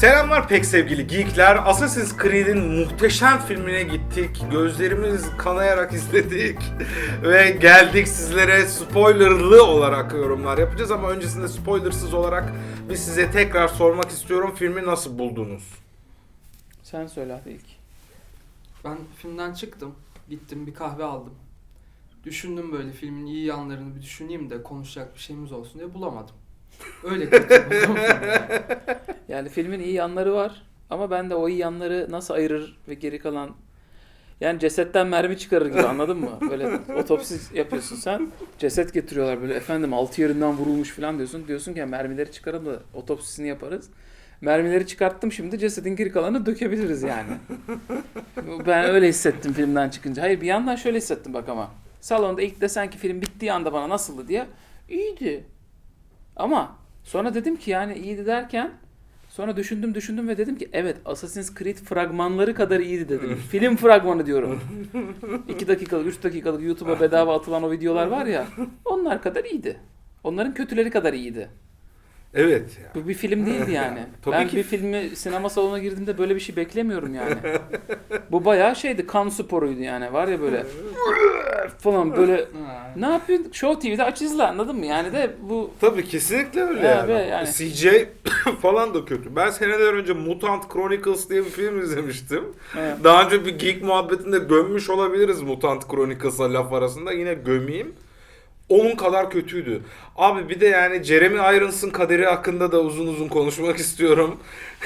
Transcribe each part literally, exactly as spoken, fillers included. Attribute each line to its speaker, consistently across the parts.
Speaker 1: Selamlar pek sevgili geekler. Assassin's Creed'in muhteşem filmine gittik. Gözlerimiz kanayarak izledik. Ve geldik sizlere spoilerlı olarak yorumlar yapacağız. Ama öncesinde spoilersız olarak biz size tekrar sormak istiyorum. Filmi nasıl buldunuz?
Speaker 2: Sen söyle hadi ilk.
Speaker 3: Ben filmden çıktım. Gittim bir kahve aldım. Düşündüm böyle filmin iyi yanlarını bir düşüneyim de konuşacak bir şeyimiz olsun diye bulamadım. Öyle kötü buldum filmi.
Speaker 2: Yani filmin iyi yanları var ama ben de o iyi yanları nasıl ayırır ve geri kalan yani cesetten mermi çıkarır gibi, anladın mı? Böyle otopsi yapıyorsun sen. Ceset getiriyorlar böyle, efendim altı yerinden vurulmuş falan diyorsun. Diyorsun ki mermileri çıkaralım da otopsisini yaparız. Mermileri çıkarttım, şimdi cesedin geri kalanını dökebiliriz yani. Ben öyle hissettim filmden çıkınca. Hayır, bir yandan şöyle hissettim bak ama. Salonda ilk desen ki film bittiği anda bana nasıldı diye. İyiydi. Ama sonra dedim ki yani iyiydi derken sonra düşündüm düşündüm ve dedim ki evet, Assassin's Creed fragmanları kadar iyiydi dedim. Film fragmanı diyorum. iki dakikalık, üç dakikalık YouTube'a bedava atılan o videolar var ya, onlar kadar iyiydi. Onların kötüleri kadar iyiydi.
Speaker 1: Evet. Ya.
Speaker 2: Bu bir film değildi yani.
Speaker 1: Tabii
Speaker 2: Ben
Speaker 1: ki.
Speaker 2: bir filmi sinema salonuna girdiğimde böyle bir şey beklemiyorum yani. Bu bayağı şeydi, kan sporuydu yani, var ya böyle falan böyle.
Speaker 3: Ha.
Speaker 2: Ne yapıyorsun? Show T V'de aç izle, anladın mı? Yani de bu
Speaker 1: Tabii kesinlikle öyle
Speaker 2: Ya
Speaker 1: yani.
Speaker 2: ve yani-
Speaker 1: C G falan da kötü. Ben seneler önce Mutant Chronicles diye bir film izlemiştim.
Speaker 2: Evet.
Speaker 1: Daha önce bir geek muhabbetinde gömmüş olabiliriz Mutant Chronicles'a laf arasında. Yine gömeyim. Onun kadar kötüydü. Abi bir de yani Jeremy Irons'ın kaderi hakkında da uzun uzun konuşmak istiyorum.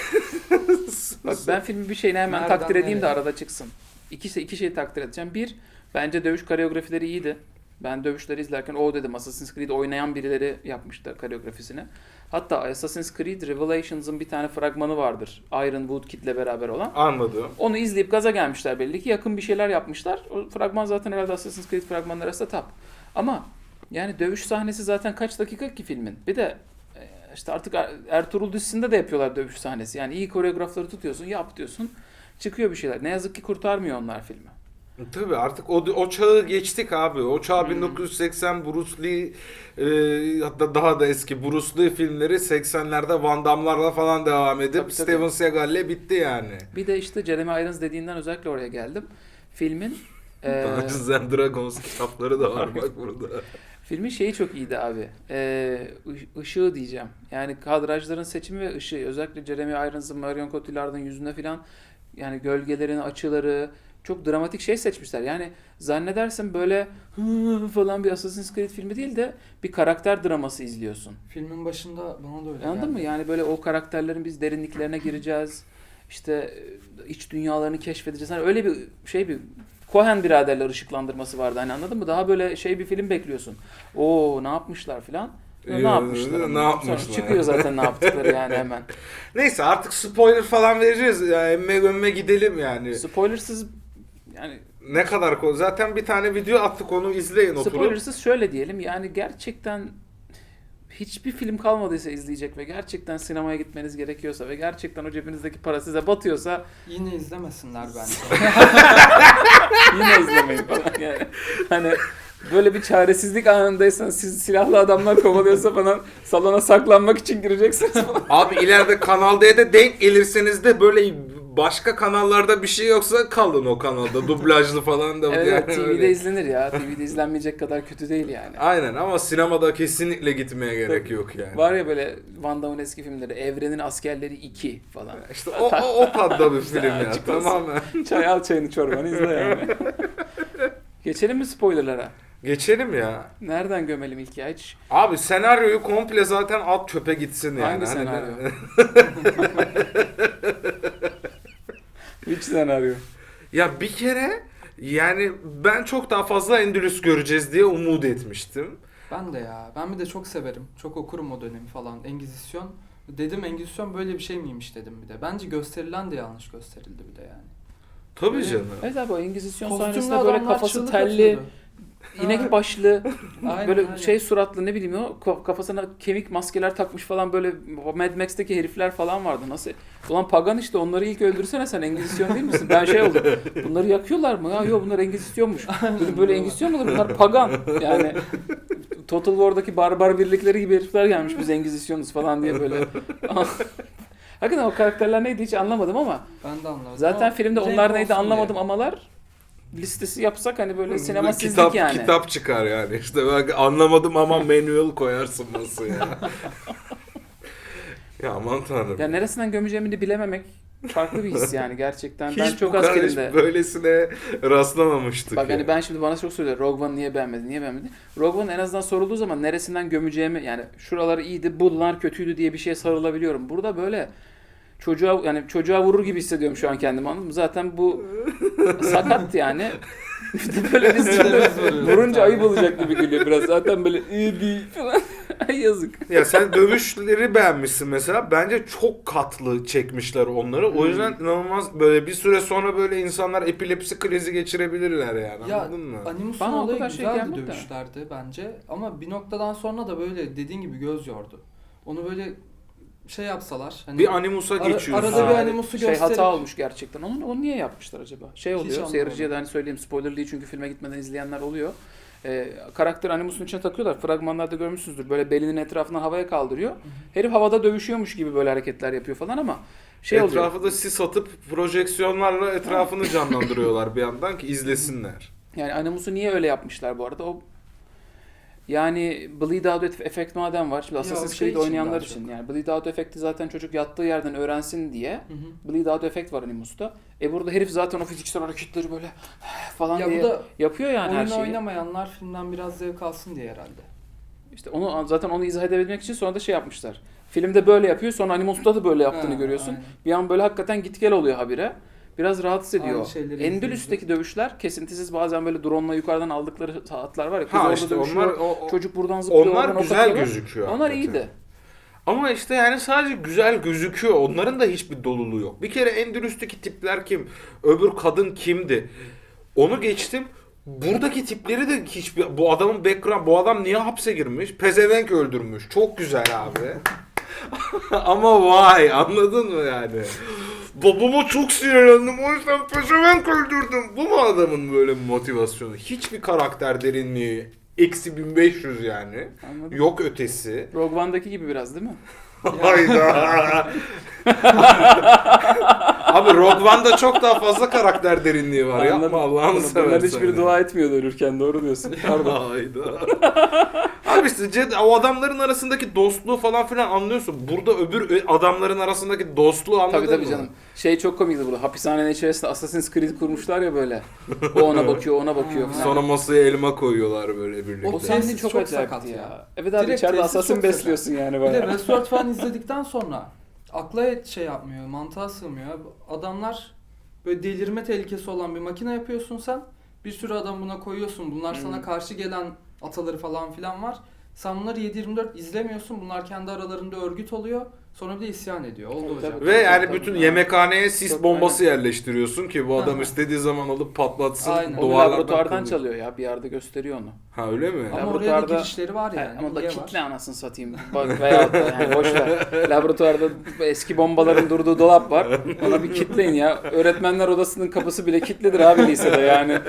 Speaker 2: Bak, ben filmin bir şeyini hemen
Speaker 3: Nereden
Speaker 2: takdir edeyim de
Speaker 3: nereye?
Speaker 2: arada çıksın. İki, şey- iki şeyi takdir edeceğim. Bir, bence dövüş koreografileri iyiydi. Ben dövüşleri izlerken o dedim, Assassin's Creed oynayan birileri yapmıştı koreografisini. Hatta Assassin's Creed Revelations'ın bir tane fragmanı vardır. Iron Woodkid'le beraber olan.
Speaker 1: Anladım.
Speaker 2: Onu izleyip gaza gelmişler belli ki, yakın bir şeyler yapmışlar. O fragman zaten herhalde Assassin's Creed fragmanları arasında top. Ama yani dövüş sahnesi zaten kaç dakika ki filmin? Bir de e, işte artık Er- Ertuğrul dizisinde de yapıyorlar dövüş sahnesi. Yani iyi koreografları tutuyorsun, yap diyorsun. Çıkıyor bir şeyler. Ne yazık ki kurtarmıyor onlar filmi.
Speaker 1: Tabii artık o, o çağı geçtik abi. O çağ
Speaker 2: Hmm.
Speaker 1: bin dokuz yüz seksen Bruce Lee e, hatta daha da eski Bruce Lee filmleri seksenlerde Van Damme'larla falan devam edip
Speaker 2: Tabii, tabii.
Speaker 1: Steven Seagal'le bitti yani.
Speaker 2: Bir de işte Jeremy Irons dediğinden özellikle oraya geldim. Filmin e,
Speaker 1: Dungeons and Dragons kitapları da var bak burada.
Speaker 2: filmin şeyi çok iyiydi abi. E, ı- ışığı diyeceğim. Yani kadrajların seçimi ve ışığı. Özellikle Jeremy Irons'ın, Marion Cotillard'ın yüzüne falan, yani gölgelerin açıları çok dramatik şey seçmişler. Yani zannedersin böyle hı falan bir Assassin's Creed filmi değil de bir karakter draması izliyorsun.
Speaker 3: Filmin başında bana da öyle
Speaker 2: Anladın
Speaker 3: geldi.
Speaker 2: mı? Yani böyle o karakterlerin biz derinliklerine gireceğiz. İşte e, iç dünyalarını keşfedeceğiz. Hani öyle bir şey, bir Coen biraderler ışıklandırması vardı. Hani anladın mı? Daha böyle şey bir film bekliyorsun. Oo, ne yapmışlar filan. Ya,
Speaker 1: Ee,
Speaker 2: ne yapmışlar?
Speaker 1: ne
Speaker 2: ama?
Speaker 1: yapmışlar?
Speaker 2: Sonra çıkıyor zaten ne yaptıkları yani hemen.
Speaker 1: Neyse artık spoiler falan vereceğiz. Ya, emme gömme gidelim yani.
Speaker 2: Spoilersız yani
Speaker 1: Ne kadar ko- zaten bir tane video attık, onu izleyin oturup.
Speaker 2: spoilersız şöyle diyelim, yani gerçekten hiçbir film kalmadıysa izleyecek ve gerçekten sinemaya gitmeniz gerekiyorsa ve gerçekten o cebinizdeki para size batıyorsa
Speaker 3: Yine izlemesinler bence.
Speaker 2: yine izlemeyin falan yani. Hani böyle bir çaresizlik anındaysan, siz silahlı adamlar kovalıyorsa falan salona saklanmak için gireceksiniz falan.
Speaker 1: Abi ileride Kanal D'de denk gelirseniz de böyle başka kanallarda bir şey yoksa kalın o kanalda. Dublajlı falan da.
Speaker 2: Evet,
Speaker 1: yani
Speaker 2: T V'de
Speaker 1: öyle.
Speaker 2: izlenir ya. T V'de izlenmeyecek kadar kötü değil yani.
Speaker 1: Aynen ama sinemada kesinlikle gitmeye gerek yok yani.
Speaker 2: Var ya böyle Van Damme'ın eski filmleri, Evrenin Askerleri iki falan.
Speaker 1: İşte o, o, o tadda bir film ya,
Speaker 2: Açık olsun.
Speaker 1: tamamen.
Speaker 2: Çay al, çayını çorbanı izle yani. Geçelim mi spoilerlara?
Speaker 1: Geçelim ya.
Speaker 2: Nereden gömelim ilk ya? Hiç
Speaker 1: Abi senaryoyu komple zaten at çöpe gitsin yani.
Speaker 2: Hangi
Speaker 1: Hani
Speaker 2: senaryo?
Speaker 1: ben-
Speaker 2: hiç senaryo.
Speaker 1: Ya bir kere yani ben çok daha fazla Endülüs göreceğiz diye umut etmiştim.
Speaker 3: Ben de ya. Ben bir de çok severim. Çok okurum o dönemi falan. Engizisyon. Dedim Engizisyon böyle bir şey miymiş dedim bir de. Bence gösterilen de yanlış gösterildi bir de yani.
Speaker 1: Tabii canım.
Speaker 2: Evet abi, o Engizisyon
Speaker 3: Kostümlü
Speaker 2: sahnesinde böyle
Speaker 3: adamlar
Speaker 2: kafası
Speaker 3: çığlık
Speaker 2: telli,
Speaker 3: atıyordu.
Speaker 2: inek başlı,
Speaker 3: Aynen,
Speaker 2: böyle
Speaker 3: aynen.
Speaker 2: şey suratlı, ne bileyim o ko- kafasına kemik maskeler takmış falan, böyle Mad Max'teki herifler falan vardı. Nasıl? Ulan pagan işte, onları ilk öldürsene, sen Engizisyon değil misin? Ben şey oldum. Bunları yakıyorlar mı? Ya yok, bunlar Engizisyonmuş. Dedim, böyle Engizisyon mu olur? Bunlar pagan. Yani Total War'daki barbar birlikleri gibi herifler gelmiş, biz Engizisyonuz falan diye böyle. Hakikaten o karakterler neydi hiç anlamadım ama
Speaker 3: Ben de anlamadım.
Speaker 2: zaten
Speaker 3: Ama
Speaker 2: filmde
Speaker 3: renk
Speaker 2: onlar neydi
Speaker 3: olsun
Speaker 2: anlamadım
Speaker 3: diye.
Speaker 2: amalar listesi yapsak hani böyle sinema sizlik
Speaker 1: kitap,
Speaker 2: yani.
Speaker 1: Kitap çıkar yani. İşte ben anlamadım ama manual koyarsın nasıl ya. Ya aman tanrım.
Speaker 2: Ya neresinden gömeceğimi de bilememek farklı bir his yani gerçekten. Ben
Speaker 1: Hiç
Speaker 2: çok
Speaker 1: bu
Speaker 2: az
Speaker 1: kadar hiç
Speaker 2: filmde.
Speaker 1: böylesine rastlamamıştık.
Speaker 2: Bak
Speaker 1: ya.
Speaker 2: hani ben şimdi bana çok söylüyor Rogue One niye beğenmedin, niye beğenmedin? Rogue One en azından sorulduğu zaman neresinden gömeceğimi yani şuraları iyiydi, bunlar kötüydü diye bir şeye sarılabiliyorum. Burada böyle çocuğa yani çocuğa vurur gibi hissediyorum şu an kendimi anladın mı? Zaten bu sakat yani. Bir de böyle biz vurunca ayıp olacak gibi geliyor biraz. Zaten böyle iyi değil falan. Ay yazık.
Speaker 1: Ya sen dövüşleri beğenmişsin mesela. Bence çok katlı çekmişler onları. O yüzden inanılmaz böyle bir süre sonra böyle insanlar epilepsi krizi geçirebilirler yani.
Speaker 3: Ya
Speaker 1: Anladın mı?
Speaker 3: animusun
Speaker 2: Bana o
Speaker 3: olayı
Speaker 2: kadar şey
Speaker 3: güzeldi
Speaker 2: gelmedi de.
Speaker 3: dövüşlerdi bence. Ama bir noktadan sonra da böyle dediğin gibi göz yordu. Onu böyle şey yapsalar. Hani
Speaker 1: Bir animusa
Speaker 3: Ara-
Speaker 1: geçiyorsun.
Speaker 3: arada bir
Speaker 2: Aa,
Speaker 3: animusu
Speaker 2: şey
Speaker 3: gösterip-
Speaker 2: hata olmuş gerçekten. Onu, onu niye yapmışlar acaba? Şey
Speaker 3: Hiç
Speaker 2: oluyor.
Speaker 3: anlamadım.
Speaker 2: Seyirciye de hani söyleyeyim spoiler değil çünkü filme gitmeden izleyenler oluyor. Ee, karakter animusun içine takıyorlar. Fragmanlarda görmüşsünüzdür. Böyle belinin etrafından havaya kaldırıyor. Herif havada dövüşüyormuş gibi böyle hareketler yapıyor falan ama şey oluyor.
Speaker 1: Etrafı da sis atıp projeksiyonlarla etrafını canlandırıyorlar bir yandan ki izlesinler.
Speaker 2: Yani Animus'u niye öyle yapmışlar bu arada? O yani Bleed Out Effect madem var. Şimdi
Speaker 3: Ya
Speaker 2: Assassin's
Speaker 3: o şey
Speaker 2: Creed
Speaker 3: için
Speaker 2: oynayanlar
Speaker 3: daha
Speaker 2: için.
Speaker 3: çok.
Speaker 2: Yani Bleed Out Effect'i zaten çocuk yattığı yerden öğrensin diye.
Speaker 3: Hı hı.
Speaker 2: Bleed Out Effect var Animus'ta. E burada herif zaten o fiziksel hareketleri böyle falan
Speaker 3: Ya bu
Speaker 2: diye
Speaker 3: da
Speaker 2: yapıyor yani her
Speaker 3: oyunu
Speaker 2: şeyi.
Speaker 3: oynamayanlar filmden biraz zevk alsın diye herhalde.
Speaker 2: İşte onu zaten onu izah edebilmek için sonra da şey yapmışlar. Filmde böyle yapıyor, sonra Animus'ta da böyle yaptığını
Speaker 3: Ha,
Speaker 2: görüyorsun.
Speaker 3: aynen.
Speaker 2: Bir an böyle hakikaten git gel oluyor habire. Biraz rahatsız ediyor.
Speaker 3: Aynı şeyleri
Speaker 2: Endülüs'teki dövüşler kesintisiz bazen böyle drone'la yukarıdan aldıkları saatler var ya. Kız
Speaker 1: Ha
Speaker 2: orada
Speaker 1: işte
Speaker 2: dövüşüyor,
Speaker 1: onlar o, o-
Speaker 2: çocuk buradan zıplıyor,
Speaker 1: onlar
Speaker 2: oradan ok
Speaker 1: güzel
Speaker 2: atıyorlar.
Speaker 1: gözüküyor.
Speaker 2: Onlar
Speaker 1: hakikaten.
Speaker 2: iyiydi.
Speaker 1: Ama işte yani sadece güzel gözüküyor. Onların da hiçbir doluluğu yok. Bir kere Endülüs'teki tipler kim? Öbür kadın kimdi? Onu geçtim. Buradaki tipleri de hiçbir... Bu adamın background... Bu adam niye hapse girmiş? Pezevenk öldürmüş. Çok güzel abi. Ama vay anladın mı yani? Babama çok sinirlendim o yüzden pezevenk öldürdüm. Bu mu adamın böyle motivasyonu? Hiçbir karakter derinliği. Eksi bin beş yüz yani.
Speaker 2: Anladım.
Speaker 1: Yok ötesi.
Speaker 2: Rogue One'daki gibi biraz değil mi?
Speaker 1: Hayda. Abi Rogue One'da çok daha fazla karakter derinliği var.
Speaker 2: Anladım.
Speaker 1: Yapma Allah'ını
Speaker 2: Bunlar
Speaker 1: seversen.
Speaker 2: hiçbiri dua etmiyordu ölürken, doğru diyorsun. Pardon.
Speaker 1: Hayda. Abi işte Ced- o adamların arasındaki dostluğu falan filan anlıyorsun. Burada öbür adamların arasındaki dostluğu anladın
Speaker 2: Tabii tabii
Speaker 1: mı?
Speaker 2: canım. Şey çok komikti burada. Hapishanenin içerisinde Assassin's Creed kurmuşlar ya böyle. O ona bakıyor, ona bakıyor falan.
Speaker 1: Sonra masaya elma koyuyorlar böyle birlikte.
Speaker 2: o
Speaker 3: O
Speaker 2: sahne
Speaker 3: tesis
Speaker 2: çok,
Speaker 3: çok
Speaker 2: acayipti
Speaker 3: sakat
Speaker 2: ya.
Speaker 3: ya.
Speaker 2: Evet abi
Speaker 3: Direkt
Speaker 2: içeride
Speaker 3: tesis
Speaker 2: assassin
Speaker 3: çok
Speaker 2: besliyorsun yani
Speaker 3: Bir de
Speaker 2: bayağı.
Speaker 3: Westworld falan izledikten sonra akla şey yapmıyor, mantığa sığmıyor. Adamlar böyle delirme tehlikesi olan bir makine yapıyorsun sen. Bir sürü adam buna koyuyorsun. Bunlar
Speaker 2: Hmm.
Speaker 3: sana karşı gelen ataları falan filan var. Sen bunları yedi yirmi dört izlemiyorsun. Bunlar kendi aralarında örgüt oluyor. Sonra bir de isyan ediyor. Oldu
Speaker 2: Tabii,
Speaker 3: hocam.
Speaker 2: tabii.
Speaker 1: Ve yani
Speaker 2: Tabii,
Speaker 1: bütün
Speaker 2: tabii.
Speaker 1: yemekhaneye sis
Speaker 2: Çok-
Speaker 1: bombası yerleştiriyorsun ki bu adam
Speaker 3: Hı hı.
Speaker 1: istediği zaman alıp patlatsın.
Speaker 3: Aynen.
Speaker 2: Onu
Speaker 1: duvarlardan
Speaker 2: laboratuvardan
Speaker 1: kırılıyor.
Speaker 2: çalıyor ya. Bir yerde gösteriyor onu.
Speaker 1: Ha öyle mi?
Speaker 3: Ama oraya da
Speaker 2: Laboratuvarda-
Speaker 3: girişleri var yani.
Speaker 2: Ama da
Speaker 3: Niye
Speaker 2: kitle
Speaker 3: var?
Speaker 2: anasını satayım. Bak veyahut da yani boş ver. Laboratuvarda eski bombaların durduğu dolap var. Ona bir kitleyin ya. Öğretmenler odasının kapısı bile kilitlidir abi lisede yani.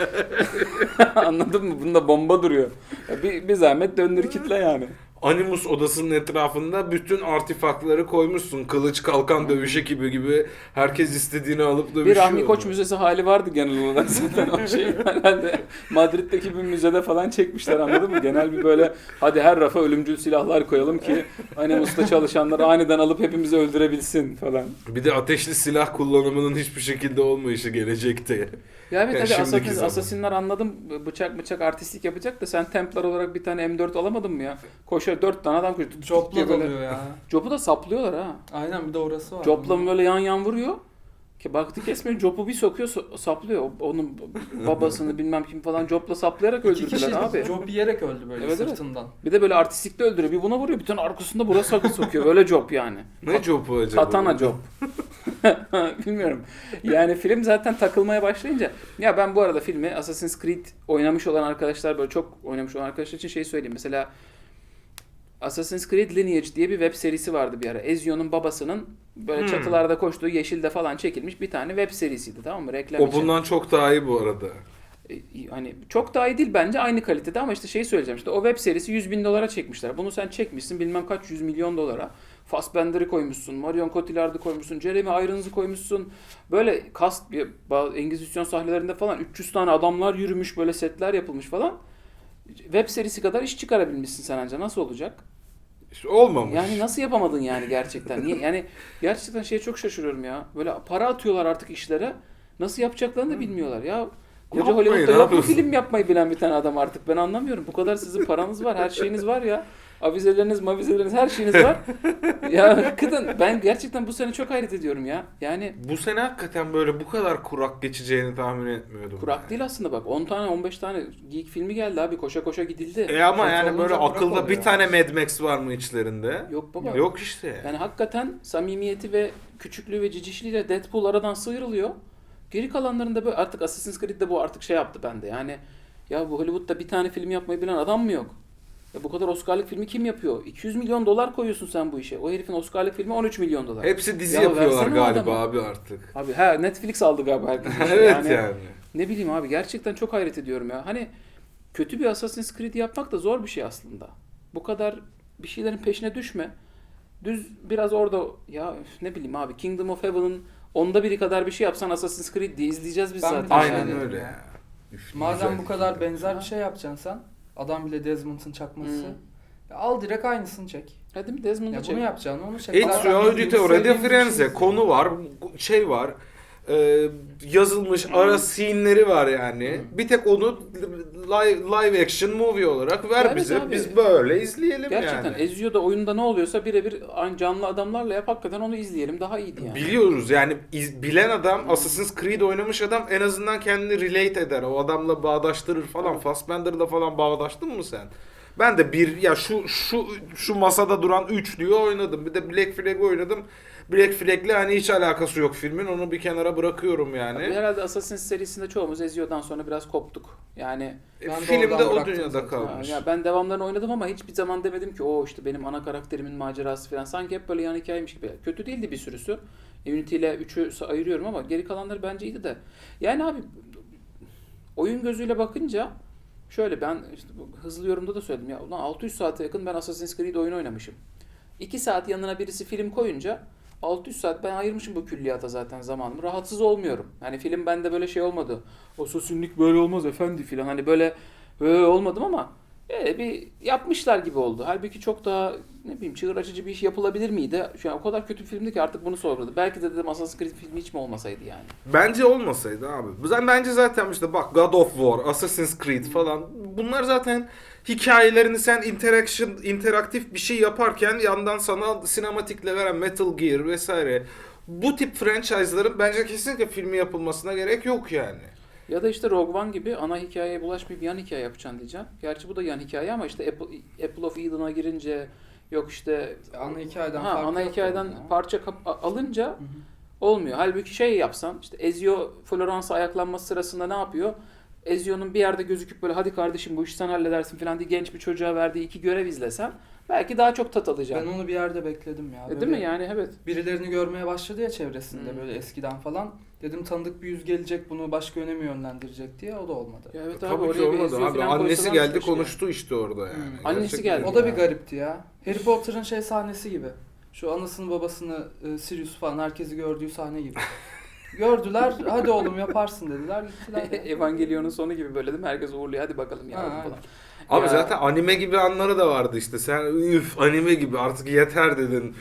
Speaker 2: Anladın mı? Bunda bomba duruyor. Ya Bir, bir zahmet döndür kitle yani.
Speaker 1: Animus odasının etrafında bütün artifakları koymuşsun. Kılıç, kalkan, dövüş ekibi gibi herkes istediğini alıp dövüşüyor.
Speaker 2: Bir Rahmi Koç müzesi hali vardı genel olarak zaten o şey herhalde Madrid'deki bir müzede falan çekmişler anladın mı? Genel bir böyle hadi her rafa ölümcül silahlar koyalım ki Animus'ta çalışanlar aniden alıp hepimizi öldürebilsin falan.
Speaker 1: Bir de ateşli silah kullanımının hiçbir şekilde olmayışı gelecekte.
Speaker 2: Ya evet
Speaker 1: Yani
Speaker 2: hadi
Speaker 1: şimdiki
Speaker 2: Assassin,
Speaker 1: zaman.
Speaker 2: Assassin'ler anladım bıçak bıçak artistlik yapacak da sen Templar olarak bir tane M dört alamadın mı ya? Koşuyor dört tane adam koşuyor. Tut, tut
Speaker 3: Jopla
Speaker 2: diye böyle.
Speaker 3: dalıyor ya.
Speaker 2: Jop'u da saplıyorlar ha.
Speaker 3: Aynen bir de orası var.
Speaker 2: Jop'la böyle yan yan vuruyor. Ki baktı kesmiyor. Jop'u bir sokuyor so- saplıyor. O- Onun babasını bilmem kim falan Jop'la saplayarak
Speaker 3: İki kişi
Speaker 2: öldürdüler abi.
Speaker 3: job yiyerek öldü böyle
Speaker 2: Evet, evet.
Speaker 3: sırtından.
Speaker 2: Bir de böyle artistlikle öldürüyor. Bir buna vuruyor. Bir tane arkasında buraya sakın sokuyor. Böyle Job yani.
Speaker 1: Ne jobu acaba?
Speaker 2: Katana Job. Bilmiyorum. Yani film zaten takılmaya başlayınca. Ya ben bu arada filmi Assassin's Creed oynamış olan arkadaşlar böyle çok oynamış olan arkadaşlar için şey söyleyeyim. Mesela Assassin's Creed Lineage diye bir web serisi vardı bir ara. Ezio'nun babasının böyle
Speaker 1: Hmm.
Speaker 2: çatılarda koştuğu Yeşil'de falan çekilmiş bir tane web serisiydi, tamam mı? Reklam
Speaker 1: O
Speaker 2: için.
Speaker 1: bundan çok daha iyi bu arada.
Speaker 2: E, Hani çok daha iyi değil bence, aynı kalitede ama işte şey söyleyeceğim, işte o web serisi yüz bin dolara çekmişler. Bunu sen çekmişsin bilmem kaç yüz milyon dolara. Fassbender'ı koymuşsun, Marion Cotillard'ı koymuşsun, Jeremy Irons'ı koymuşsun. Böyle kast, bir- bazı Engizisyon sahnelerinde falan üç yüz tane adamlar yürümüş, böyle setler yapılmış falan. Web serisi kadar iş çıkarabilmişsin sen anca. Nasıl olacak?
Speaker 1: İşte olmamış.
Speaker 2: Yani nasıl yapamadın yani gerçekten? Niye? Yani gerçekten şeye çok şaşırıyorum ya. Böyle para atıyorlar artık işlere. Nasıl yapacaklarını da bilmiyorlar. Ya koca
Speaker 1: Yapmayın
Speaker 2: Hollywood'da yok mu
Speaker 1: abi.
Speaker 2: film yapmayı bilen bir tane adam artık? Ben anlamıyorum. Bu kadar sizin paranız var, her şeyiniz var ya. Avizeleriniz, mavizeleriniz, her şeyiniz var. Ya hakikaten ben gerçekten bu sene çok hayret ediyorum ya. Yani
Speaker 1: Bu sene hakikaten böyle bu kadar kurak geçeceğini tahmin etmiyordum.
Speaker 2: kurak
Speaker 1: yani.
Speaker 2: değil aslında bak. on tane on beş tane geek filmi geldi abi. Koşa koşa gidildi.
Speaker 1: E ama
Speaker 3: Kötü
Speaker 1: yani
Speaker 3: olunca
Speaker 1: böyle
Speaker 3: kurak
Speaker 1: akılda bir
Speaker 3: oluyor.
Speaker 1: tane Mad Max var mı içlerinde?
Speaker 2: Yok baba.
Speaker 1: Yok işte.
Speaker 2: Yani hakikaten samimiyeti ve küçüklüğü ve cicişliğiyle Deadpool aradan sıyrılıyor. Geri kalanlarında böyle artık Assassin's Creed'de bu artık şey yaptı bende. Yani ya bu Hollywood'da bir tane film yapmayı bilen adam mı yok? Ya bu kadar Oscar'lık filmi kim yapıyor? iki yüz milyon dolar koyuyorsun sen bu işe. O herifin Oscar'lık filmi on üç milyon dolar.
Speaker 1: Hepsi dizi
Speaker 2: Ya
Speaker 1: yapıyorlar
Speaker 2: versene o
Speaker 1: galiba
Speaker 2: adama.
Speaker 1: abi artık.
Speaker 2: Abi ha Netflix aldı galiba herkes.
Speaker 1: Evet yani.
Speaker 2: Ne bileyim abi gerçekten çok hayret ediyorum ya. Hani kötü bir Assassin's Creed yapmak da zor bir şey aslında. Bu kadar bir şeylerin peşine düşme. Düz biraz orada ya üf, ne bileyim abi Kingdom of Heaven'ın onda biri kadar bir şey yapsan Assassin's Creed diye izleyeceğiz biz
Speaker 3: Ben bir
Speaker 2: zaten.
Speaker 3: de
Speaker 1: Aynen
Speaker 2: yani.
Speaker 3: şey
Speaker 1: öyle
Speaker 3: dedim
Speaker 1: ya.
Speaker 3: ya.
Speaker 1: Üf,
Speaker 3: Madem
Speaker 1: güzel
Speaker 3: bu kadar
Speaker 1: fikir.
Speaker 3: benzer bir şey yapacaksın sen, adam bile Desmond'ın çakması.
Speaker 2: Hmm.
Speaker 3: Ya al direkt aynısını çek.
Speaker 2: Ha değil mi? Desmond'u
Speaker 3: Ya
Speaker 2: çek.
Speaker 3: bunu yapacaksın, onu çek.
Speaker 1: Ezio
Speaker 3: Zaten
Speaker 1: Auditore de
Speaker 3: sevdiğim bir
Speaker 1: Firenze
Speaker 3: şey.
Speaker 1: konu var, şey var, e, yazılmış ara scene'leri var yani. Bir tek onu live, live action movie olarak ver
Speaker 2: Evet
Speaker 1: bize.
Speaker 2: abi.
Speaker 1: Biz böyle izleyelim
Speaker 2: Gerçekten
Speaker 1: yani.
Speaker 2: Ezio'da oyunda ne oluyorsa birebir aynı canlı adamlarla yap hakikaten onu izleyelim. Daha iyiydi yani.
Speaker 1: Biliyoruz yani iz- bilen adam, Assassin's Creed oynamış adam en azından kendini relate eder. O adamla bağdaştırır falan.
Speaker 2: Evet.
Speaker 1: Fassbender'la falan bağdaştın mı sen? Ben de bir ya şu şu şu masada duran üçlüyü oynadım. Bir de Black Flag'ı oynadım. Black Flag'le hani hiç alakası yok filmin. Onu bir kenara bırakıyorum yani.
Speaker 2: Abi herhalde Assassin's serisinde çoğumuz Ezio'dan sonra biraz koptuk. Yani
Speaker 1: E,
Speaker 3: Ben de
Speaker 1: Filmde
Speaker 3: oradan
Speaker 1: o
Speaker 3: bıraktım
Speaker 1: dünyada
Speaker 3: zaten.
Speaker 1: kalmış.
Speaker 2: ya ben devamlarını oynadım ama hiçbir zaman demedim ki o işte benim ana karakterimin macerası falan. Sanki hep böyle yan hikayeymiş gibi. Kötü değildi bir sürüsü. Unity ile üçü ayırıyorum ama geri kalanları bence iyiydi de. Yani abi oyun gözüyle bakınca şöyle ben işte bu hızlı yorumda da söyledim ya ulan altı yüz saate yakın ben Assassin's Creed oyun oynamışım. iki saat yanına birisi film koyunca altı yüz saat ben ayırmışım bu külliyata zaten zamanımı. Rahatsız olmuyorum. Hani film bende böyle şey olmadı. Assassin'lik böyle olmaz efendi filan. Hani böyle böyle olmadım ama e, bir yapmışlar gibi oldu. Halbuki çok daha ne bileyim çığır açıcı bir iş yapılabilir miydi? Şu an o kadar kötü bir filmdi ki artık bunu sorguladı. Belki de dedim Assassin's Creed filmi hiç mi olmasaydı yani.
Speaker 1: Bence olmasaydı abi. Ben bence zaten işte bak God of War, Assassin's Creed falan bunlar zaten hikayelerini sen interaction, interaktif bir şey yaparken yandan sana sinematikle veren Metal Gear vesaire bu tip franchise'ların bence kesinlikle filmi yapılmasına gerek yok yani.
Speaker 2: Ya da işte Rogue One gibi ana hikayeye bulaşmayıp yan hikaye yapacaksın diyeceğim. Gerçi bu da yan hikaye ama işte Apple, Apple of Eden'a girince yok işte
Speaker 3: Ana hikayeden
Speaker 2: ha,
Speaker 3: farkı
Speaker 2: ana
Speaker 3: yok
Speaker 2: hikayeden
Speaker 3: yani.
Speaker 2: parça kap- a- alınca olmuyor. Halbuki şey yapsan işte Ezio Floransa ayaklanması sırasında ne yapıyor? Ezio'nun bir yerde gözüküp böyle hadi kardeşim bu işi sen halledersin falan diye genç bir çocuğa verdiği iki görev izlesen belki daha çok tat
Speaker 3: Ben
Speaker 2: alacaksın.
Speaker 3: onu bir yerde bekledim ya.
Speaker 2: E,
Speaker 3: Böyle
Speaker 2: değil mi yani evet.
Speaker 3: Birilerini görmeye başladı ya çevresinde
Speaker 2: Hmm.
Speaker 3: böyle eskiden falan. Dedim tanıdık bir yüz gelecek bunu başka yöne mi yönlendirecek diye o da olmadı.
Speaker 2: Ya evet abi
Speaker 1: Tabii ki
Speaker 2: oraya bir
Speaker 1: olmadı
Speaker 2: Ezio
Speaker 1: abi.
Speaker 2: falan
Speaker 1: Annesi
Speaker 2: koysalarmış
Speaker 1: geldi
Speaker 2: keşke.
Speaker 1: konuştu işte orada yani.
Speaker 3: Hmm.
Speaker 2: Annesi
Speaker 1: Gerçekten.
Speaker 2: geldi.
Speaker 3: O da bir
Speaker 2: Ya.
Speaker 3: garipti ya. Harry Potter'ın şey sahnesi gibi. Şu anasını babasını e, Sirius falan herkesi gördüğü sahne gibi. Gördüler hadi oğlum yaparsın dediler gittiler. ya.
Speaker 2: Evangelion'un sonu gibi böyle değil mi? Herkes uğurluyor hadi bakalım ya
Speaker 3: Ha,
Speaker 2: falan.
Speaker 3: aynen.
Speaker 1: Abi
Speaker 2: Ya.
Speaker 1: zaten anime gibi anları da vardı işte. Sen üf anime gibi artık yeter dedin.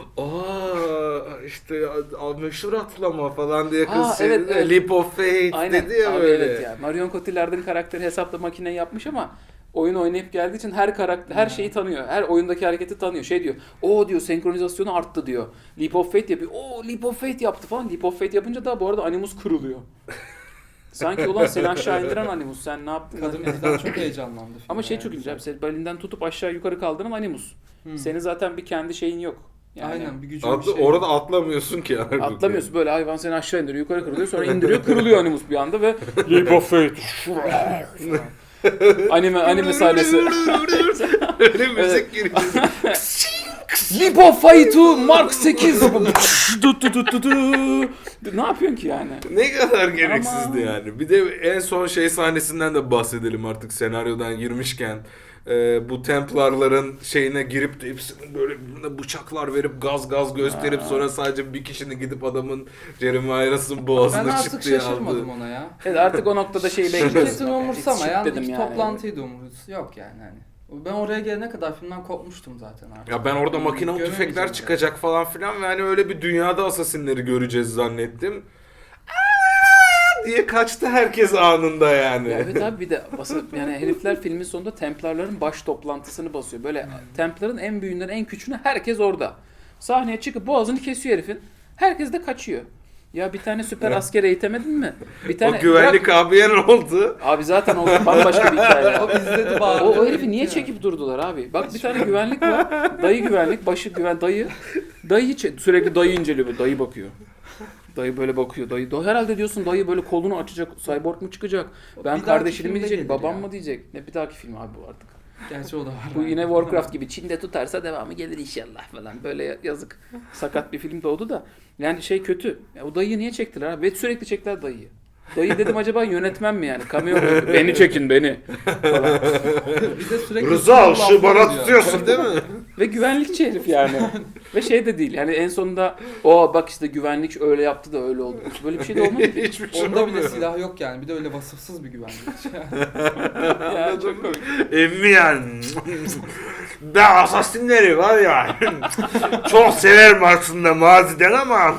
Speaker 1: Aa işte a- meşhur atlama falan diye kız
Speaker 2: Aa,
Speaker 1: şey
Speaker 2: evet,
Speaker 1: dedi.
Speaker 2: evet.
Speaker 1: Leap of Faith
Speaker 2: Aynen.
Speaker 1: dedi ya
Speaker 2: Abi
Speaker 1: böyle.
Speaker 2: evet ya. Marion Cotillard'ın karakteri hesapla makine yapmış ama oyun oynayıp geldiği için her karakter her şeyi tanıyor. Her oyundaki hareketi tanıyor. Şey diyor. O diyor senkronizasyonu arttı diyor. Leap of Faith yapıyor. O Leap of Faith yaptı falan. Leap of Faith yapınca da bu arada Animus kırılıyor. Sanki ulan seni aşağı indiren Animus sen ne yaptın?
Speaker 3: Kadın bizden çok heyecanlandı. filme
Speaker 2: Ama şey
Speaker 3: yani.
Speaker 2: çok ilginç abi. Seni belinden tutup aşağı yukarı kaldıran Animus.
Speaker 3: Hmm.
Speaker 2: Senin zaten bir kendi şeyin yok. Yani
Speaker 3: Aynen bir gücün bir
Speaker 1: Atlı,
Speaker 3: şey.
Speaker 1: orada atlamıyorsun ki halbuki.
Speaker 2: atlamıyorsun böyle hayvan seni aşağı indiriyor yukarı kırılıyor sonra indiriyor kırılıyor Animus bir anda ve Leap of Faith. anime anime sahnesi.
Speaker 1: Öyle müzik giriyor.
Speaker 2: Leap of Faith Mark sekiz. Du, du, du, du, du. Ne yapıyorsun ki yani?
Speaker 1: Ne kadar gereksizdi
Speaker 2: Ama-
Speaker 1: yani. Bir de en son şey sahnesinden de bahsedelim artık senaryodan girmişken. Ee, bu Templarların şeyine girip de hepsinin böyle birbirine bıçaklar verip gaz gaz gösterip
Speaker 2: Aa.
Speaker 1: sonra sadece bir kişinin gidip adamın Jeremy Irons'ın boğazını
Speaker 3: Ben artık
Speaker 1: çıktı ya
Speaker 3: şaşırmadım
Speaker 1: aldı.
Speaker 3: ona ya.
Speaker 2: Evet, artık o noktada şeyi bekliyorsun.
Speaker 3: Şirketin umursamayan
Speaker 2: Dedim
Speaker 3: iki
Speaker 2: yani.
Speaker 3: toplantıydı umuruz. Yok yani hani. Ben oraya gelene kadar filmden kopmuştum zaten artık.
Speaker 1: Ya ben orada makinalı
Speaker 3: Göremeyeceğim
Speaker 1: tüfekler
Speaker 3: zaten.
Speaker 1: çıkacak falan filan ve hani öyle bir dünyada asasinleri göreceğiz zannettim. Aa diye kaçtı herkes anında yani.
Speaker 2: Ya evet abi, bir de basa, yani herifler filmin sonunda Templarların baş toplantısını basıyor. Böyle Templar'ın en büyüğünden en küçüğüne herkes orada. Sahneye çıkıp boğazını kesiyor herifin. Herkes de kaçıyor. Ya bir tane süper asker eğitemedin mi? Bir tane
Speaker 1: O güvenlik
Speaker 2: bırak-
Speaker 1: abiye ne oldu?
Speaker 2: Abi zaten o bambaşka bir hikaye.
Speaker 3: O izledi bari.
Speaker 2: O, o herifi niye çekip durdular abi? Bak bir tane güvenlik var. Dayı güvenlik, başı güven dayı. Dayı çe- sürekli dayı inceliyor, böyle dayı bakıyor. Dayı böyle bakıyor. Dayı, dayı herhalde diyorsun dayı böyle kolunu açacak. Cyborg mu çıkacak?
Speaker 3: O
Speaker 2: Ben
Speaker 3: bir dahaki
Speaker 2: kardeşini mi
Speaker 3: filmde
Speaker 2: diyecek?
Speaker 3: gelir
Speaker 2: Babam
Speaker 3: ya.
Speaker 2: mı diyecek? Ne bir dahaki film abi bu artık.
Speaker 3: Gerçi o da var.
Speaker 2: Bu yine Warcraft gibi Çin'de tutarsa devamı gelir inşallah falan. Böyle yazık. Sakat bir film doğdu da. Yani şey kötü. Ya o dayıyı niye çektiler abi? Ve sürekli çektiler dayıyı. Dayı dedim acaba yönetmen mi yani? Cameo mu? Beni çekin beni. Falan.
Speaker 3: Bir de sürekli
Speaker 1: Rıza
Speaker 3: laflar
Speaker 1: şu bana
Speaker 3: ediyor.
Speaker 1: tutuyorsun değil mi?
Speaker 2: Ve güvenlikçi herif yani. Ve şey de değil yani en sonunda o bak işte güvenlik öyle yaptı da öyle oldu. Böyle bir şey de olmadı ki.
Speaker 1: Hiçbir şey
Speaker 3: Onda bile
Speaker 1: olmuyor.
Speaker 3: silah yok yani. Bir de öyle vasıfsız bir güvenlik.
Speaker 2: Ya çok komik.
Speaker 1: Emmi yani. Ben asasinleri var ya. Çok severim aslında maziden ama.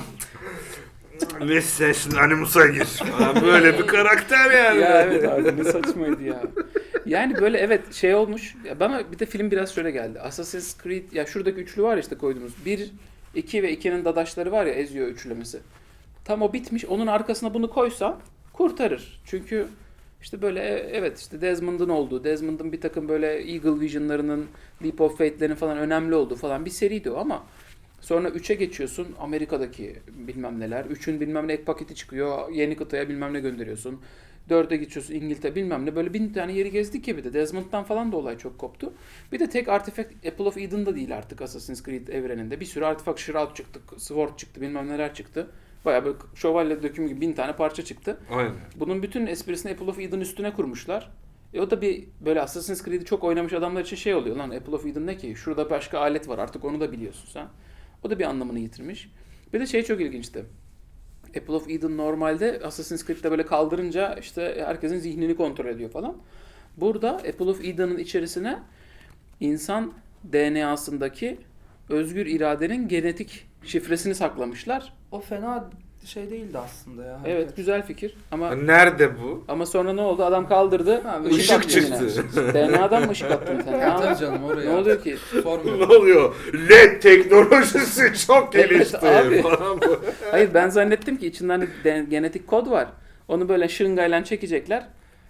Speaker 1: Neyse şimdi Animus'a gir falan. Böyle bir karakter yani.
Speaker 2: Ya evet abi ne saçmaydı ya. Yani böyle evet şey olmuş. Ya bana bir de film biraz şöyle geldi. Assassin's Creed ya şuradaki üçlü var ya işte koyduğumuz. bir, iki ve ikinin dadaşları var ya Ezio üçlemesi. Tam o bitmiş. Onun arkasına bunu koysan kurtarır. Çünkü işte böyle e, evet işte Desmond'ın olduğu, Desmond'ın bir takım böyle Eagle Vision'larının, Leap of Faith'lerin falan önemli olduğu falan bir seriydi o ama sonra üçe geçiyorsun Amerika'daki bilmem neler. üçün bilmem ne ek paketi çıkıyor. Yeni kıtaya bilmem ne gönderiyorsun. dörde geçiyorsun İngiltere bilmem ne. Böyle bin tane yeri gezdik ya bir de. Desmond'dan falan da olay çok koptu. Bir de tek artifact Apple of Eden'da değil artık Assassin's Creed evreninde. Bir sürü artifact Shroud çıktı, Sword çıktı bilmem neler çıktı. Bayağı böyle şövalye dökümü gibi bin tane parça çıktı.
Speaker 1: Aynen.
Speaker 2: Bunun bütün esprisini Apple of Eden üstüne kurmuşlar. E o da bir böyle Assassin's Creed'i çok oynamış adamlar için şey oluyor lan Apple of Eden ne ki? Şurada başka alet var artık onu da biliyorsun sen. O da bir anlamını yitirmiş. Bir de şey çok ilginçti. Apple of Eden normalde Assassin's Creed'de böyle kaldırınca işte herkesin zihnini kontrol ediyor falan. Burada Apple of Eden'ın içerisine insan D N A'sındaki özgür iradenin genetik şifresini saklamışlar.
Speaker 3: O fena şey değildi aslında ya.
Speaker 2: Evet güzel fikir ama
Speaker 1: Nerede bu?
Speaker 2: ama sonra ne oldu? Adam kaldırdı.
Speaker 3: Ha,
Speaker 2: ışık
Speaker 1: Işık
Speaker 2: attı
Speaker 1: çıktı.
Speaker 2: yine. D N A'dan mı ışık attın sen?
Speaker 3: Evet,
Speaker 2: Ne,
Speaker 3: tabii canım oraya.
Speaker 2: ne oluyor ki?
Speaker 3: Sormuyorum.
Speaker 1: Ne oluyor? L E D teknolojisi çok
Speaker 2: Evet,
Speaker 1: gelişti
Speaker 2: abi.
Speaker 1: falan bu.
Speaker 2: Hayır ben zannettim ki içinden de de- genetik kod var. Onu böyle şırıngayla çekecekler.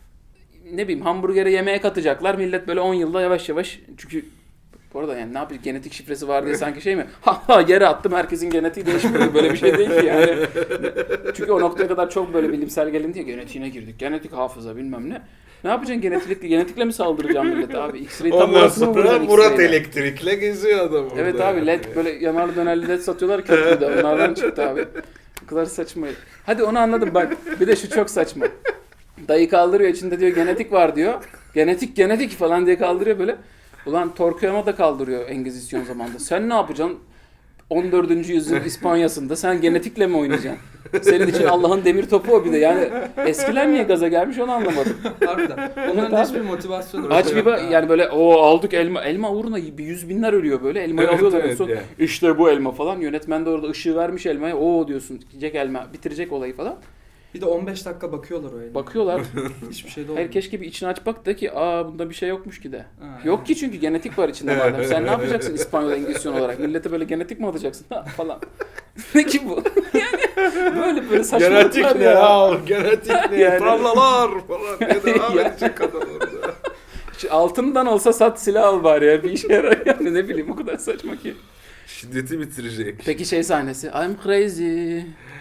Speaker 2: Ne bileyim hamburgere yemeğe katacaklar. Millet böyle on yılda yavaş yavaş çünkü bu arada yani ne yapayım genetik şifresi var diye sanki şey mi? Ha ha yere attım herkesin genetiği değişmiyor. Böyle bir şey değil ki yani. Çünkü o noktaya kadar çok böyle bilimsel gelindi ya genetiğine girdik. Genetik hafıza bilmem ne. Ne yapacaksın genetikle, genetikle mi saldıracağım millete abi? X-ray tam
Speaker 1: Ondan
Speaker 2: orasını mı
Speaker 1: sonra
Speaker 2: vuracaksın
Speaker 1: Murat
Speaker 2: X-ray'le?
Speaker 1: Elektrik'le geziyor adam orada.
Speaker 2: Evet abi led böyle yanar döner led satıyorlar köprüde. Onlardan çıktı abi. Bu kadar saçma. Hadi onu anladım bak. Bir de şu çok saçma. Dayı kaldırıyor içinde diyor genetik var diyor. Genetik genetik falan diye kaldırıyor böyle. Ulan Torquemada da kaldırıyor Engizisyon zamanında. Sen ne yapacaksın? on dördüncü yüzyıl İspanya'sında sen genetikle mi oynayacaksın? Senin için Allah'ın demir topu o bir de. Yani eskiler niye gaza gelmiş onu anlamadım.
Speaker 3: Harbiden. Onların
Speaker 2: Evet
Speaker 3: da
Speaker 2: abi.
Speaker 3: hiçbir motivasyonu
Speaker 2: Aç
Speaker 3: yok
Speaker 2: bir bak
Speaker 3: ya.
Speaker 2: yani böyle o aldık elma. Elma uğruna bir yüz binler ölüyor böyle. Elmayı
Speaker 1: Evet,
Speaker 2: alıyorlar en
Speaker 1: evet
Speaker 2: son.
Speaker 1: yani.
Speaker 2: İşte bu elma falan. Yönetmen de orada ışığı vermiş elmaya. Oo diyorsun. Yiyecek elma. Bitirecek olayı falan.
Speaker 3: Bir de on beş dakika bakıyorlar o elma.
Speaker 2: Bakıyorlar.
Speaker 3: Hiçbir şey de olmuyor.
Speaker 2: Hayır keşke bir içini aç bak da ki aa bunda bir şey yokmuş ki de.
Speaker 3: Ha,
Speaker 2: Yok ki çünkü genetik var içinde madem. Sen ne yapacaksın İspanyol Engizisyon olarak? Millete böyle genetik mi atacaksın ha, falan. Ne ki bu? Yani böyle böyle saçmalıklar
Speaker 1: Genetik ne
Speaker 2: ya.
Speaker 1: ya? Genetik ne?
Speaker 2: Yani.
Speaker 1: Trallalar falan diye devam
Speaker 2: Ya.
Speaker 1: edecek adam orada.
Speaker 2: Şu altından olsa sat silah al bari ya. Bir işe yarar yani ne bileyim o kadar saçma ki.
Speaker 1: Şiddeti bitirecek.
Speaker 2: Peki şey sahnesi. I'm crazy.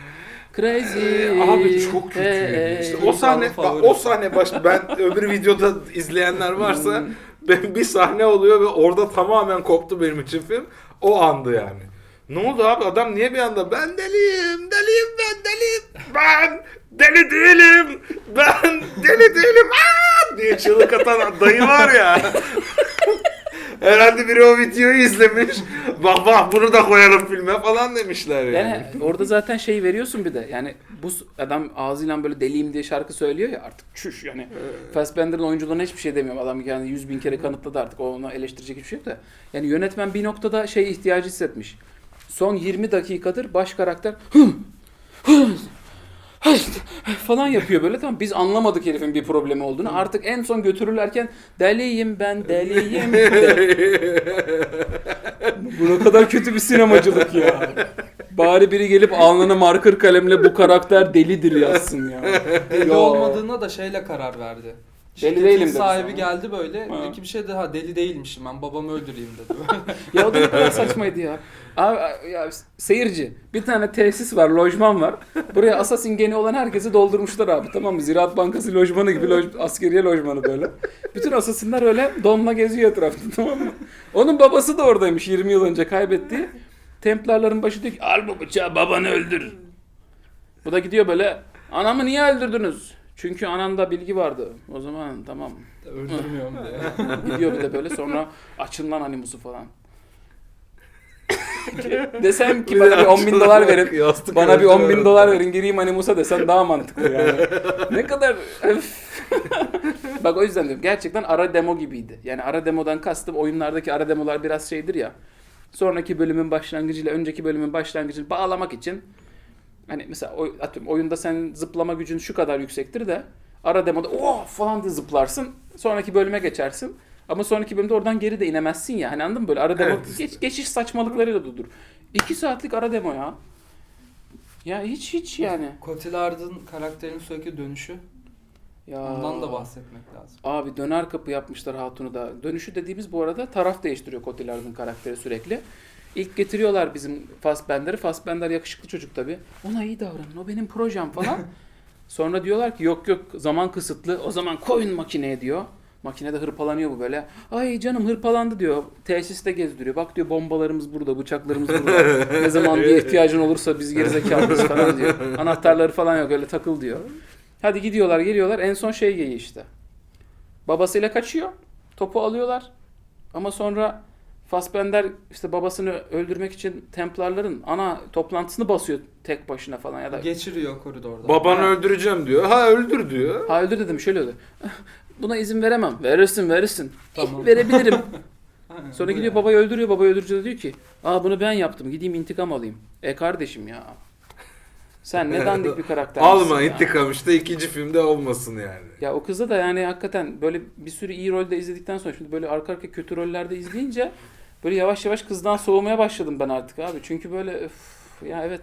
Speaker 2: Crazy.
Speaker 1: Abi çok kötüydü.
Speaker 2: Hey,
Speaker 1: İşte
Speaker 2: hey.
Speaker 1: o sahne,
Speaker 3: Favori.
Speaker 1: bak, o sahne baş, ben öbür videoda izleyenler varsa
Speaker 2: Hmm.
Speaker 1: ben bir sahne oluyor ve orada tamamen koptu benim için film. O andı yani. Ne oldu abi, adam niye bir anda ben deliyim, deliyim ben deliyim, ben deli değilim, ben deli değilim aa! diye çığlık atan dayı var ya. Herhalde biri o videoyu izlemiş. Bak bak bunu da koyalım filme falan demişler yani.
Speaker 2: Yani orada zaten şey veriyorsun bir de. Yani bu s- adam ağzıyla böyle deliyim diye şarkı söylüyor ya artık çüş yani. Fassbender'ın oyunculuğuna hiçbir şey demiyorum. Adam yani yüz bin kere kanıtladı artık. Ona eleştirecek hiçbir şey yok da. Yani yönetmen bir noktada şey ihtiyacı hissetmiş. Son yirmi dakikadır baş karakter falan yapıyor böyle, tamam, biz anlamadık herifin bir problemi olduğunu. Artık en son götürürlerken deliyim ben deliyim de. Bu ne kadar kötü bir sinemacılık ya. Bari biri gelip alnına marker kalemle bu karakter delidir yazsın ya.
Speaker 3: Deli
Speaker 2: Ya.
Speaker 3: olmadığına da şeyle karar verdi. Şirketin
Speaker 2: değilim dedi
Speaker 3: sahibi
Speaker 2: sana.
Speaker 3: geldi böyle.
Speaker 2: Ha.
Speaker 3: Peki bir şey de ha deli değilmişim ben babamı öldüreyim dedi.
Speaker 2: Ya o da ne kadar saçmaydı ya. Abi ya seyirci, bir tane tesis var, lojman var. Buraya Assassin geni olan herkesi doldurmuşlar abi, tamam mı? Ziraat Bankası lojmanı gibi, loj, askeriye lojmanı böyle. Bütün Assassin'ler öyle donla geziyor etrafta, tamam mı? Onun babası da oradaymış yirmi yıl önce kaybettiği. Templarların başı diyor ki al bu bıçağı babanı öldür. Bu da gidiyor böyle, anamı niye öldürdünüz? Çünkü ananda bilgi vardı. O zaman tamam.
Speaker 3: Öldürmüyorum diye.
Speaker 2: Gidiyor bir de böyle, sonra açın lan animusu falan. Desem ki bana bir on bin dolar verin.
Speaker 1: Yastık
Speaker 2: Bana bir on bin
Speaker 1: örtüyor.
Speaker 2: dolar verin gireyim animusa desen daha mantıklı yani. Ne kadar öf. Bak o yüzden diyorum, gerçekten ara demo gibiydi. Yani ara demodan kastım, oyunlardaki ara demolar biraz şeydir ya. Sonraki bölümün başlangıcıyla önceki bölümün başlangıcını bağlamak için, hani mesela oy, atıyorum oyunda senin zıplama gücün şu kadar yüksektir de ara demoda oh falan diye zıplarsın. Sonraki bölüme geçersin. Ama sonraki bölümde oradan geri de inemezsin ya. Hani anladın mı? Böyle ara demo,
Speaker 1: Evet işte.
Speaker 2: geç, geçiş saçmalıklarıyla da dur. İki saatlik ara demo ya. Ya hiç hiç yani.
Speaker 3: Cotillard'ın karakterinin sürekli dönüşü.
Speaker 2: Ya.
Speaker 3: Ondan da bahsetmek lazım.
Speaker 2: Abi döner kapı yapmışlar Hatun'u da. Dönüşü dediğimiz bu arada taraf değiştiriyor Cotillard'ın karakteri sürekli. İlk getiriyorlar bizim Fassbender'i. Fassbender yakışıklı çocuk tabii. Ona iyi davranın, o benim projem falan. Sonra diyorlar ki yok yok zaman kısıtlı, o zaman koyun makineye diyor. Makinede hırpalanıyor bu böyle. Ay canım hırpalandı diyor. Tesiste gezdiriyor. Bak diyor bombalarımız burada, bıçaklarımız burada. Ne zaman bir ihtiyacın olursa biz gerizekalıyız falan diyor. Anahtarları falan yok, öyle takıl diyor. Hadi gidiyorlar geliyorlar. En son şey geyiği işte. Babasıyla kaçıyor. Topu alıyorlar. Ama sonra Fassbender işte babasını öldürmek için Templarların ana toplantısını basıyor tek başına falan ya da
Speaker 3: Geçiriyor koridorda.
Speaker 1: Babanı
Speaker 2: Ha.
Speaker 1: öldüreceğim diyor. Ha öldür diyor.
Speaker 2: ha öldür dedim şöyle öldü. Buna izin veremem. Verirsin verirsin.
Speaker 3: Tamam.
Speaker 2: Verebilirim.
Speaker 3: Aynen,
Speaker 2: Sonra
Speaker 3: bu
Speaker 2: gidiyor
Speaker 3: yani.
Speaker 2: babayı öldürüyor. Babayı öldürünce de diyor ki aa bunu ben yaptım. Gideyim intikam alayım. E kardeşim ya. Sen ne dandik bir karakter.
Speaker 1: Alma intikam işte ikinci filmde olmasın yani.
Speaker 2: Ya o kızda da yani hakikaten böyle bir sürü iyi rolde izledikten sonra şimdi böyle arka arka kötü rollerde izleyince böyle yavaş yavaş kızdan soğumaya başladım ben artık abi. Çünkü böyle öf, ya evet.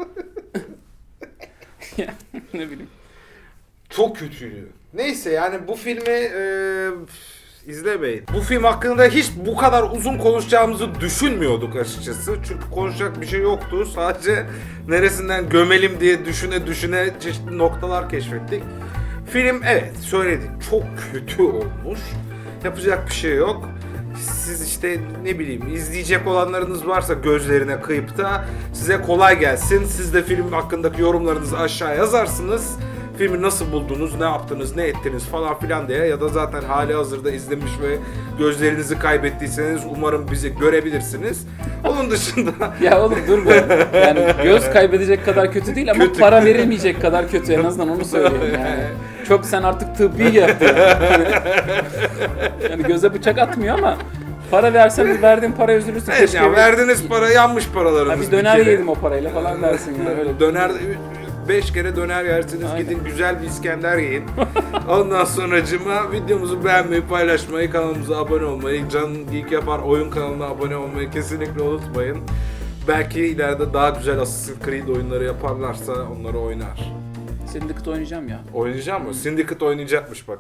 Speaker 2: Ya, ne bileyim.
Speaker 1: Çok kötüydü. Neyse yani bu filmi e, izlemeyin. Bu film hakkında hiç bu kadar uzun konuşacağımızı düşünmüyorduk açıkçası. Çünkü konuşacak bir şey yoktu. Sadece neresinden gömelim diye düşüne düşüne çeşitli noktalar keşfettik. Film evet söyledik çok kötü olmuş. Yapacak bir şey yok. Siz işte ne bileyim izleyecek olanlarınız varsa gözlerine kıyıp da size kolay gelsin. Siz de film hakkındaki yorumlarınızı aşağı yazarsınız. Filmi nasıl buldunuz, ne yaptınız, ne ettiniz falan filan diye ya da zaten hali hazırda izlemiş ve gözlerinizi kaybettiyseniz umarım bizi görebilirsiniz. Onun dışında
Speaker 2: Ya oğlum dur be. Yani göz kaybedecek kadar kötü değil ama
Speaker 1: Kötü.
Speaker 2: para verilmeyecek kadar kötü, en azından onu söyleyeyim yani. Çok sen artık tıbbi yaptın. Yani göze bıçak atmıyor ama para versen verdiğin para üzülürsün.
Speaker 1: evet
Speaker 2: Keşke
Speaker 1: ya
Speaker 2: bir-
Speaker 1: verdiniz para yanmış
Speaker 2: Ha,
Speaker 1: paralarınız
Speaker 2: bir döner
Speaker 1: kere.
Speaker 2: yedim o parayla falan dersin yani. Öyle.
Speaker 1: Döner beş kere döner yersiniz.
Speaker 2: Aynen.
Speaker 1: Gidin güzel bir İskender yiyin. Ondan sonracıma videomuzu beğenmeyi, paylaşmayı, kanalımıza abone olmayı, Can Geek Yapar oyun kanalına abone olmayı kesinlikle unutmayın. Belki ileride daha güzel Assassin's Creed oyunları yaparlarsa onları oynar.
Speaker 2: Syndicate oynayacağım ya.
Speaker 1: Oynayacak mı? Syndicate oynayacakmış bak.